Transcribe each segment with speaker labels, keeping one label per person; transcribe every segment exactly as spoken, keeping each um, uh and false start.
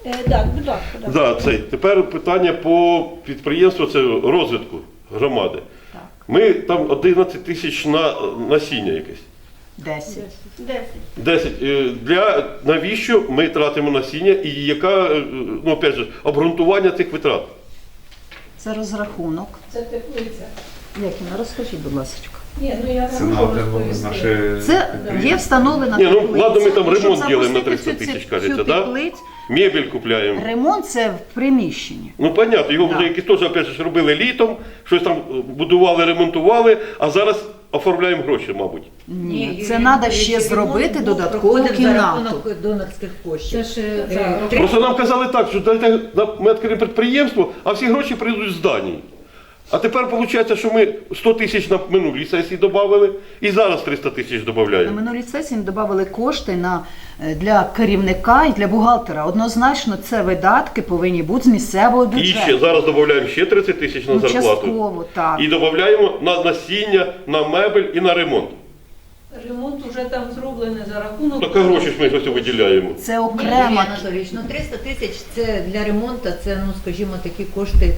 Speaker 1: Е, так, будь ласка. так.
Speaker 2: Да, це. Тепер питання по підприємству, це розвитку громади.
Speaker 3: Так.
Speaker 2: Ми там одинадцять тисяч на насіння якесь.
Speaker 3: Десять.
Speaker 1: Десять.
Speaker 2: десять. Е, Для, навіщо ми тратимо насіння і яка, е, ну, опять же, обґрунтування цих витрат?
Speaker 3: Це розрахунок.
Speaker 1: Це теплиця.
Speaker 3: Якіна, розкажіть, будь ласка.
Speaker 1: Ні, ну я
Speaker 4: Це
Speaker 1: не
Speaker 4: на
Speaker 1: можу
Speaker 4: один
Speaker 1: розповісти.
Speaker 4: наші...
Speaker 3: Це є встановлена
Speaker 2: Ні, ну,
Speaker 3: теплиця.
Speaker 2: ладно, ми там
Speaker 3: І щоб
Speaker 2: ремонт робимо на
Speaker 3: запустити
Speaker 2: триста
Speaker 3: цю-
Speaker 2: тисяч,
Speaker 3: цю
Speaker 2: кажеться, да?
Speaker 3: теплицю,
Speaker 2: Мебель купляємо.
Speaker 3: ремонт це в приміщенні.
Speaker 2: Ну, понятно, його
Speaker 3: Да.
Speaker 2: вже якісь теж, опять же, робили літом, щось там будували, ремонтували, а зараз оформляємо гроші, мабуть.
Speaker 3: Ні, це треба ще зробити додаткову кімнату.
Speaker 5: рахунок донорських коштів.
Speaker 1: Це ж
Speaker 5: Е,
Speaker 1: це,
Speaker 5: три-
Speaker 2: Просто нам казали так, що дайте, ми відкриємо підприємство, а всі гроші прийдуть з Данії. А тепер виходить, що ми сто тисяч на минулій сесії додали і зараз триста тисяч
Speaker 3: На
Speaker 2: додаємо.
Speaker 3: минулій сесії ми додали кошти на, е, для керівника і для бухгалтера. Однозначно, це видатки повинні бути з місцевого
Speaker 2: І ще
Speaker 3: бюджету.
Speaker 2: зараз додаємо ще тридцять тисяч на
Speaker 3: Ну,
Speaker 2: зарплату.
Speaker 3: частково, так.
Speaker 2: І додаємо на насіння, на мебель і на ремонт.
Speaker 1: ремонт вже там зроблений за рахунок.
Speaker 2: Так а гроші ж ми ось виділяємо.
Speaker 3: Це
Speaker 5: Ні, Юрій
Speaker 3: окрема.
Speaker 5: Анатолійович, ну триста тисяч це для ремонту, це, ну скажімо, такі кошти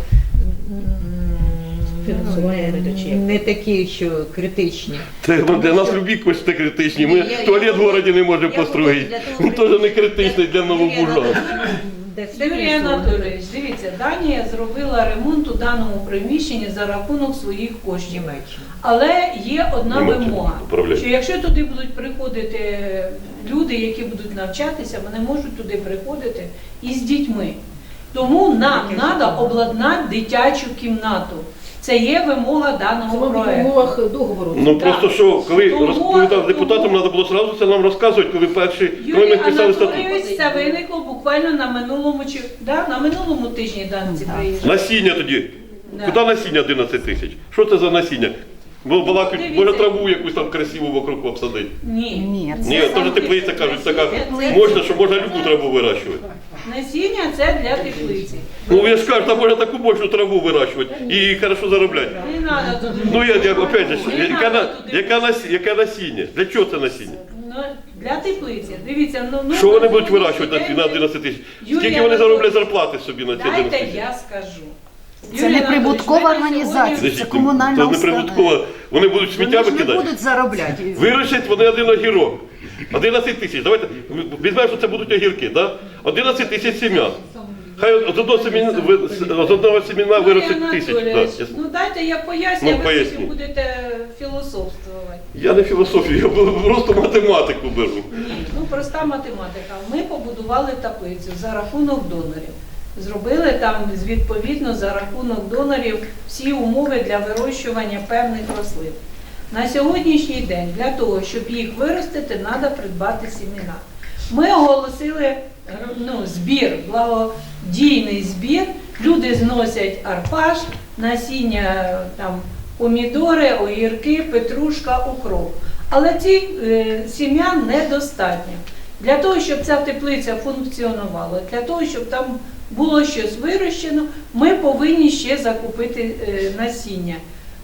Speaker 1: Фінансування
Speaker 5: м,
Speaker 1: не дочі.
Speaker 5: не такі, що критичні.
Speaker 2: Це для нас любі кошти критичні. Ми
Speaker 5: Ні, я-
Speaker 2: туалет
Speaker 5: я
Speaker 2: в городі не можемо
Speaker 5: я
Speaker 2: построїти.
Speaker 5: для того
Speaker 2: Він теж не критичний для
Speaker 5: Юрій
Speaker 2: Новобужа.
Speaker 5: Анатолійович, де все
Speaker 1: Юрій
Speaker 5: фінансовано.
Speaker 1: Анатолійович, дивіться, Данія зробила ремонт у даному приміщенні за рахунок своїх коштів.
Speaker 5: Німеччина.
Speaker 1: Але є одна
Speaker 2: Німеччина
Speaker 1: вимога,
Speaker 2: управляє.
Speaker 1: що якщо туди будуть приходити люди, які будуть навчатися, вони можуть туди приходити із дітьми. Тому нам треба обладнати дитячу кімнату. Це є вимога даного проекту.
Speaker 5: договору.
Speaker 2: Ну
Speaker 1: Так.
Speaker 2: просто що, коли
Speaker 1: Тому-
Speaker 2: розповідав депутатам,
Speaker 1: тому-
Speaker 2: треба було одразу це нам розказувати, коли перші, коли ми
Speaker 1: Юрій
Speaker 2: писали статут.
Speaker 1: Анатолійович, це виникло буквально на минулому чи да, на минулому тижні данці
Speaker 3: Так.
Speaker 1: приїжджали.
Speaker 2: Насіння тоді.
Speaker 1: Да.
Speaker 2: Куди насіння одинадцять тисяч? Що це за насіння? Бо була
Speaker 1: Дивіться.
Speaker 2: може траву якусь там красиву вокруг обсадити.
Speaker 1: Ні.
Speaker 3: Ні,
Speaker 2: Ні,
Speaker 1: Це
Speaker 2: теж
Speaker 1: сам
Speaker 2: теплиця
Speaker 1: тип-
Speaker 2: кажуть, така
Speaker 1: Це-
Speaker 2: можна, що можна любу траву вирощувати.
Speaker 1: Насіння це для теплиці.
Speaker 2: Ну я ж кажу, там можна таку мощну траву вирощувати і хорошо заробляти.
Speaker 1: Не треба туди.
Speaker 2: Ну я, я опять же,
Speaker 1: Не
Speaker 2: яка,
Speaker 1: надо
Speaker 2: на-
Speaker 1: туди.
Speaker 2: яка, нас- яка насіння? Для чого це насіння?
Speaker 1: Ну, для теплиці. Дивіться, ну, ну
Speaker 2: Що вони
Speaker 1: на
Speaker 2: будуть
Speaker 1: сьогоднішній
Speaker 2: вирощувати на-
Speaker 1: день
Speaker 2: на
Speaker 1: це-
Speaker 2: одинадцять тисяч?
Speaker 1: Юрій
Speaker 2: Скільки вони
Speaker 1: Анатолійович,
Speaker 2: зароблять зарплати собі на ці одинадцять
Speaker 1: Дайте
Speaker 2: тисяч?
Speaker 1: я скажу.
Speaker 3: Це
Speaker 1: Юрій
Speaker 3: не прибуткова
Speaker 1: Анатолійович, ми на
Speaker 3: організація.
Speaker 1: сьогодні-
Speaker 3: Це комунальна
Speaker 2: Це не
Speaker 3: установа.
Speaker 2: прибутково. Вони будуть сміття
Speaker 3: Вони ж не
Speaker 2: викидати.
Speaker 3: будуть заробляти.
Speaker 2: Вирощать вони один огірок. одинадцять тисяч. Давайте візьмемо, що це будуть огірки. Да? одинадцять тисяч сім'ян. Хай з одного семіна, ви- з одного семіна
Speaker 1: Юрій
Speaker 2: виростить тисяч.
Speaker 1: Анатолійович,
Speaker 2: Да.
Speaker 1: ну дайте я поясню,
Speaker 2: Ну,
Speaker 1: ви
Speaker 2: поясніть.
Speaker 1: потім будете філософствувати.
Speaker 2: Я не філософію, я просто математику беру.
Speaker 1: Ні, ну проста математика. Ми побудували таблицю за рахунок донорів. Зробили там відповідно за рахунок донорів всі умови для вирощування певних рослин. На сьогоднішній день для того, щоб їх виростити, треба придбати сімена. Ми оголосили ну, збір, благодійний збір. Люди зносять арпаш, насіння там, помідори, огірки, петрушка, укроп. Але ці е, сім'ян недостатньо. Для того, щоб ця теплиця функціонувала, для того, щоб там було щось вирощено, ми повинні ще закупити е, насіння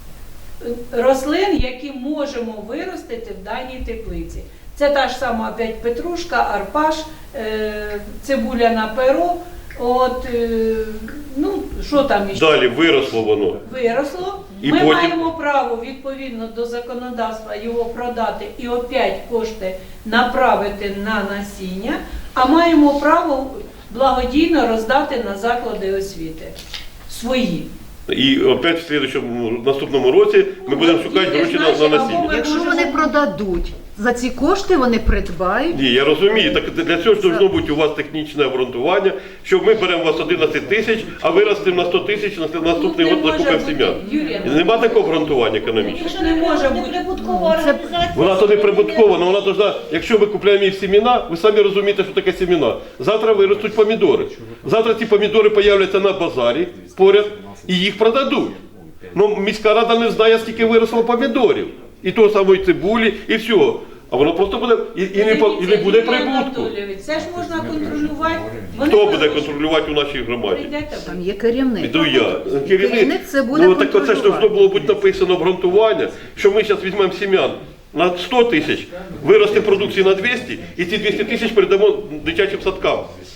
Speaker 1: рослин, які можемо виростити в даній теплиці. Це та ж сама опять петрушка, арпаш, е, цибуля на перо. От, е, ну, що там іще?
Speaker 2: Далі виросло воно.
Speaker 1: Виросло.
Speaker 2: І
Speaker 1: Ми
Speaker 2: потім-
Speaker 1: маємо право відповідно до законодавства його продати і опять кошти направити на насіння, а маємо право благодійно роздати на заклади освіти свої.
Speaker 2: І опять в слідчому наступному році ми будемо шукати гроші на, на насіння.
Speaker 3: Якщо вони продадуть, за ці кошти вони придбають.
Speaker 2: Ні, я розумію, так для цього ж должно бути у вас технічне обґрунтування, що ми беремо у вас одинадцять тисяч, а виростемо на сто тисяч, на наступний
Speaker 1: Ну, не
Speaker 2: год
Speaker 1: може
Speaker 2: закупимо
Speaker 1: бути,
Speaker 2: сім'ян.
Speaker 1: Юрій Анатолійович.
Speaker 2: Нема такого обґрунтування економічного.
Speaker 1: Це не може бути.
Speaker 6: Прибуткова
Speaker 3: Це-
Speaker 6: організація.
Speaker 2: Вона то не прибуткова, але вона должна, якщо ми купуємо їх семена, ви самі розумієте, що таке семена. Завтра виростуть помідори. Завтра ці помідори появляться на базарі поряд і їх продадуть. Ну, міська рада не знає, скільки виросло помідорів. І того самої цибулі, і всього. А воно просто буде, і, і, не, по- і не буде
Speaker 1: Юрій
Speaker 2: прибутку.
Speaker 1: Анатолійович, це ж можна контролювати. Вони
Speaker 2: Хто буде
Speaker 1: просто-
Speaker 2: контролювати у нашій громаді?
Speaker 1: Прийдете ви.
Speaker 3: Там є керівник.
Speaker 2: Іду я.
Speaker 3: Керівник це буде
Speaker 2: Ну так оце ж
Speaker 3: контролювати.
Speaker 2: должно було бути написано обґрунтування, що ми зараз візьмемо сім'ян на сто тисяч, виростемо продукції на двісті, і ці двісті тисяч передамо дитячим садкам.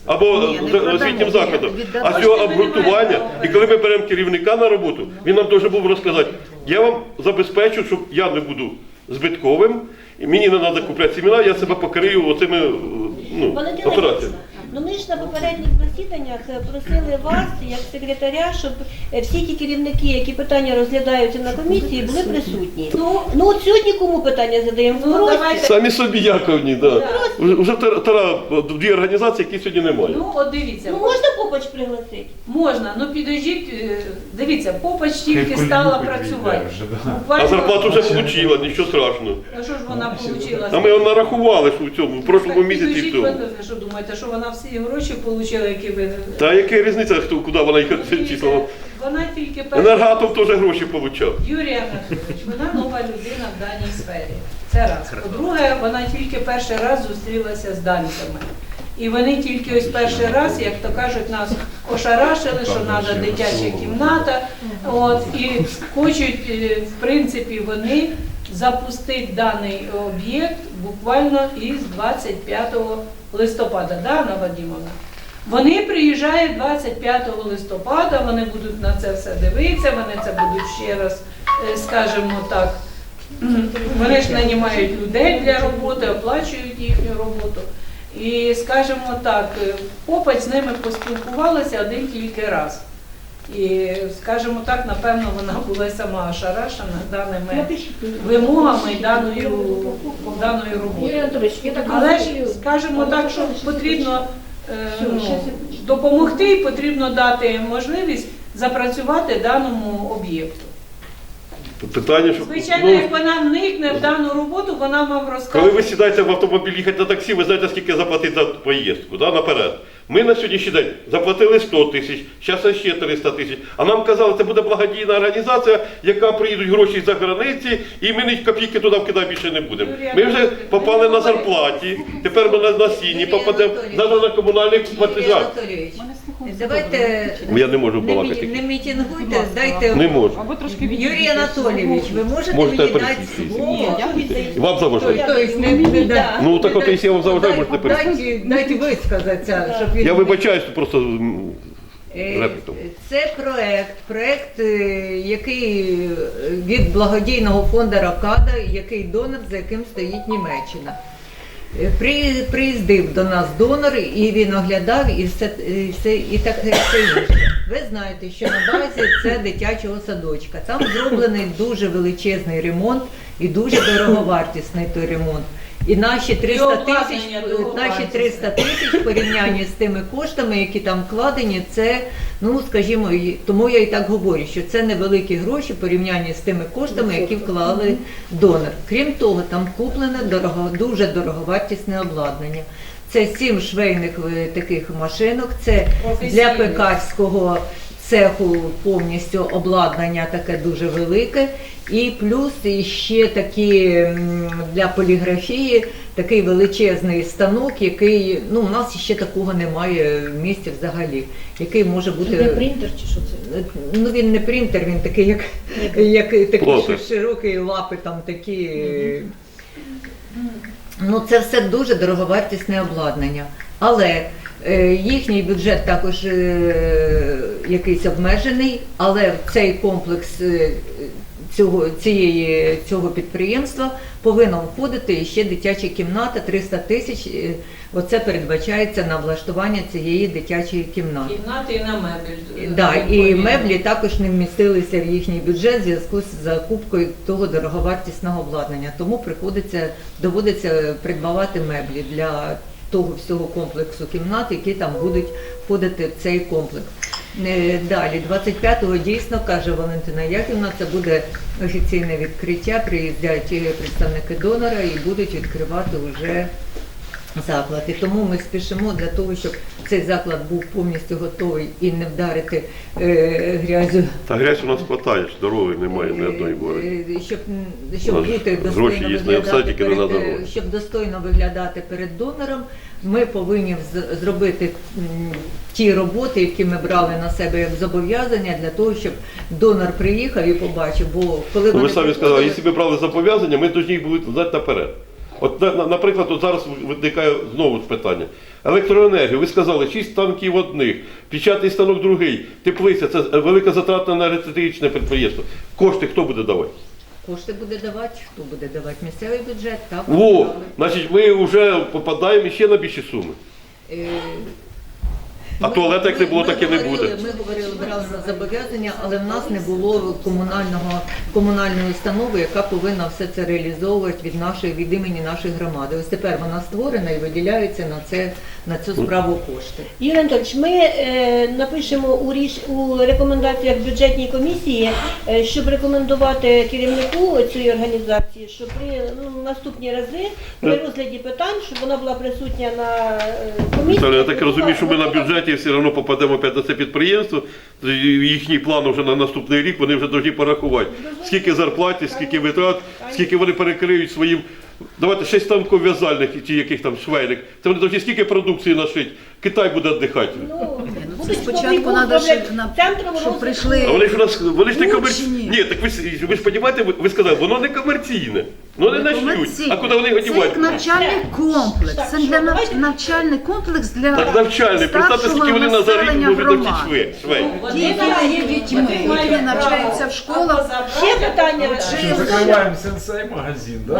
Speaker 2: або
Speaker 3: Ні, не
Speaker 2: з-
Speaker 3: продамо,
Speaker 2: освітнім
Speaker 3: ні,
Speaker 2: закладом.
Speaker 3: віддамо.
Speaker 2: А цього
Speaker 1: Кошти ми не
Speaker 2: обґрунтування,
Speaker 1: маємо
Speaker 2: і коли ми беремо керівника на роботу, він нам дуже був розказати, я вам забезпечу, щоб я не буду збитковим, і мені не треба купляти семена, я себе покрию оцими е, ну,
Speaker 4: Валентина
Speaker 2: операціями.
Speaker 4: Іванівна, ну ми ж на попередніх засіданнях е, просили вас, як секретаря, щоб е, всі ті керівники, які питання розглядаються на комісії, були присутні. Ну, ну от сьогодні кому питання задаємо?
Speaker 1: Ну,
Speaker 4: Впрості.
Speaker 1: давайте.
Speaker 2: Самі собі яковні, да. Вже вже тара- тара- дві організації, які сьогодні немає.
Speaker 1: Ну, от дивіться,
Speaker 4: Ну можна Попач пригласити?
Speaker 1: можна, ну підождіть, е, дивіться, Попач тільки стала працювати.
Speaker 2: А
Speaker 1: Буквально-
Speaker 2: зарплату вже отримала, нічого страшного.
Speaker 1: А що ж вона отримала?
Speaker 2: А ми його нарахували, що в цьому, в прошлому місяці і в
Speaker 1: Підождіть,
Speaker 2: цьому.
Speaker 1: ви що думаєте, що вона всі гроші отримала, які ви...
Speaker 2: Та яка різниця, хто куди вона їх
Speaker 1: Дивіться,
Speaker 2: числила?
Speaker 1: Вона тільки перша...
Speaker 2: Енергоатом теж гроші отримав.
Speaker 1: Юрій Анатолійович, вона нова людина в даній сфері. Це раз. По-друге, вона тільки перший раз зустрілася з данцями. І вони тільки ось перший раз, як то кажуть, нас ошарашили, що треба дитяча кімната. От, і хочуть, е, в принципі, вони запустити даний об'єкт буквально із двадцять п'ятого листопада. Да, Анна Вадимовна? Вони приїжджають двадцять п'ятого листопада, вони будуть на це все дивитися, вони це будуть ще раз, е, скажімо так, м, вони ж нанімають людей для роботи, оплачують їхню роботу. І, скажімо так, е, Попач з ними поспілкувалася один тільки раз. І, скажімо так, напевно, вона була й сама ошарашена даними вимогами і даною, даною
Speaker 4: Юрій
Speaker 1: роботою.
Speaker 4: Анатолійович, я так
Speaker 1: Але ж,
Speaker 4: розумію.
Speaker 1: скажімо так, що потрібно е, ну, допомогти і потрібно дати можливість запрацювати даному об'єкту.
Speaker 2: Питання, що...
Speaker 1: Звичайно,
Speaker 2: ну,
Speaker 1: як вона вникне в дану роботу, вона вам
Speaker 2: коли
Speaker 1: розкаже.
Speaker 2: ви сідаєте в автомобіль їхати на таксі, ви знаєте, скільки заплатити за поїздку, да, наперед. Ми на сьогоднішній день заплатили сто тисяч, зараз ще триста тисяч. А нам казали, це буде благодійна організація, яка приїдуть гроші за границі, і ми ні копійки туди вкидати більше не будемо. Ми вже попали на зарплаті, тепер ми на, на сіні попадемо, завтра на комунальних
Speaker 5: Юрій
Speaker 2: платежах.
Speaker 5: Анатолійович, давайте
Speaker 2: Я не можу
Speaker 5: не,
Speaker 2: балакати.
Speaker 5: мі- не мітингуйте, дайте...
Speaker 2: Не можу.
Speaker 5: Юрій Анатолійович, ви можете
Speaker 2: Можете
Speaker 5: мені дати
Speaker 2: пересісти.
Speaker 5: слово?
Speaker 2: І вам заважаю.
Speaker 5: Тобто не, не, да.
Speaker 2: Ну так от, якщо я вам заважаю, можете пересісти.
Speaker 5: Дайте, дайте висказатися, щоб він...
Speaker 2: Я вибачаюсь, просто м,
Speaker 5: Е,
Speaker 2: репліком.
Speaker 5: Це проект, проект, е, який е, від благодійного фонду Рокада, який донор, за яким стоїть Німеччина. Е, При, приїздив до нас донор, і він оглядав, і все, і все, і так і все інше. Ви знаєте, що на базі це дитячого садочка. Там зроблений дуже величезний ремонт і дуже дороговартісний той ремонт. І наші триста тисяч,
Speaker 1: обладнання
Speaker 5: наші
Speaker 1: дороговартісне.
Speaker 5: триста тисяч в порівнянні з тими коштами, які там вкладені, це, ну скажімо, і- тому я і так говорю, що це невеликі гроші в порівнянні з тими коштами, які вклали донор. Крім того, там куплене дорого, дуже дороговартісне обладнання. Це сім швейних е, таких машинок, це для
Speaker 1: Професійних.
Speaker 5: пекарського цеху повністю обладнання таке дуже велике. І плюс ще такі м, для поліграфії такий величезний станок, який, ну, у нас ще такого немає в місті взагалі, який може бути...
Speaker 4: Це принтер чи що це?
Speaker 5: Ну він не принтер, він такий, як, як такий
Speaker 2: Плотер.
Speaker 5: що широкий, лапи там такі. Ну це все дуже дороговартісне обладнання. Але е, їхній бюджет також е, якийсь обмежений, але в цей комплекс е, цього, цієї, цього підприємства повинна входити ще дитяча кімната, триста тисяч. е, Оце передбачається на влаштування цієї дитячої кімнати.
Speaker 1: Кімнати і на мебель.
Speaker 5: Да, і меблі також не вмістилися в їхній бюджет в зв'язку з закупкою того дороговартісного обладнання. Тому приходиться, доводиться придбавати меблі для того всього комплексу кімнат, які там будуть входити в цей комплекс. Е, Далі, двадцять п'ятого дійсно, каже Валентина Яківна, це буде офіційне відкриття, приїздять е, представники донора і будуть відкривати вже заклад. І тому ми спішимо для того, щоб цей заклад був повністю готовий і не вдарити е, грязю.
Speaker 2: Та грязь у нас хватає, дороги немає ні одної бори.
Speaker 5: Е, Щоб, щоб
Speaker 2: У нас
Speaker 5: бути
Speaker 2: гроші
Speaker 5: достойно
Speaker 2: є,
Speaker 5: виглядати
Speaker 2: все тільки не на
Speaker 5: перед,
Speaker 2: дорогу.
Speaker 5: е, щоб достойно виглядати перед донором, ми повинні з- зробити м, ті роботи, які ми брали на себе як зобов'язання, для того, щоб донор приїхав і побачив. Бо коли
Speaker 2: Ну, ви
Speaker 5: вони
Speaker 2: самі сказали,
Speaker 5: приходили-
Speaker 2: якщо ми брали зобов'язання, ми повинні їх були знати наперед. От, на- на- наприклад, от зараз виникає знову ж питання. електроенергію. Ви сказали, шість станків одних, печатний станок другий, теплиця, це велика затратна енергетичне підприємство. Кошти хто буде давати?
Speaker 5: Кошти буде давати, хто буде давати? Місцевий бюджет, так.
Speaker 2: Во,
Speaker 5: державний.
Speaker 2: значить, ми вже попадаємо ще на більші суми.
Speaker 5: Е,
Speaker 2: А
Speaker 5: ми-
Speaker 2: туалет, як не було,
Speaker 5: ми
Speaker 2: так і не
Speaker 5: говорили-
Speaker 2: буде.
Speaker 5: Ми говорили, брали на зобов'язання, але в нас не було комунального, комунальної установи, яка повинна все це реалізовувати від нашої, від імені нашої громади. Ось тепер вона створена і виділяються на це, на цю справу кошти.
Speaker 4: Юрій Анатольович, ми е, напишемо у, ріш, у рекомендаціях бюджетній комісії, е, щоб рекомендувати керівнику цієї організації, що при ну, наступні рази при розгляді питань, щоб вона була присутня на е, комісії.
Speaker 2: Віталій, я так розумію, що ми на бюджеті все одно попадемо опять на це підприємство. Їхній план вже на наступний рік, вони вже повинні порахувати. Скільки зарплати, скільки витрат, скільки вони перекриють своїм. Давайте шість станків в'язальних чи яких там швейних. Це вони повинні скільки продукції нашити. Китай буде віддихати.
Speaker 4: Ну,
Speaker 3: Ну, це
Speaker 4: будуть
Speaker 3: спочатку
Speaker 4: новий
Speaker 3: треба,
Speaker 4: роблять
Speaker 3: щоб, на-
Speaker 4: центром
Speaker 3: щоб
Speaker 4: розвитку.
Speaker 3: прийшли.
Speaker 2: А вони ж у нас, вони ж не комерційні.
Speaker 3: Учні.
Speaker 2: Ні, так ви, ж- ви ж розумієте, ви, ви сказали, воно не комерційне. Воно не начнуть.
Speaker 3: Комерційне.
Speaker 2: А куди вони його
Speaker 3: Це
Speaker 2: дівати?
Speaker 3: як навчальний комплекс.
Speaker 4: Так,
Speaker 3: Це
Speaker 4: що,
Speaker 3: для нав-
Speaker 4: давайте-
Speaker 3: навчальний комплекс для
Speaker 2: Так навчальний. Представте,
Speaker 3: старшого
Speaker 2: скільки вони на за рік
Speaker 3: населення
Speaker 2: можуть навчити
Speaker 3: громади.
Speaker 2: швей. швей.
Speaker 1: Вони
Speaker 3: Ті, які
Speaker 1: мають-
Speaker 3: є дітьми,
Speaker 1: вони
Speaker 3: які
Speaker 1: мають
Speaker 3: навчаються
Speaker 1: право
Speaker 3: в школах.
Speaker 1: або
Speaker 4: Ще
Speaker 1: забрати,
Speaker 4: питання.
Speaker 1: або
Speaker 4: Ще
Speaker 1: вчити.
Speaker 6: Закрываем сенсей магазин, да?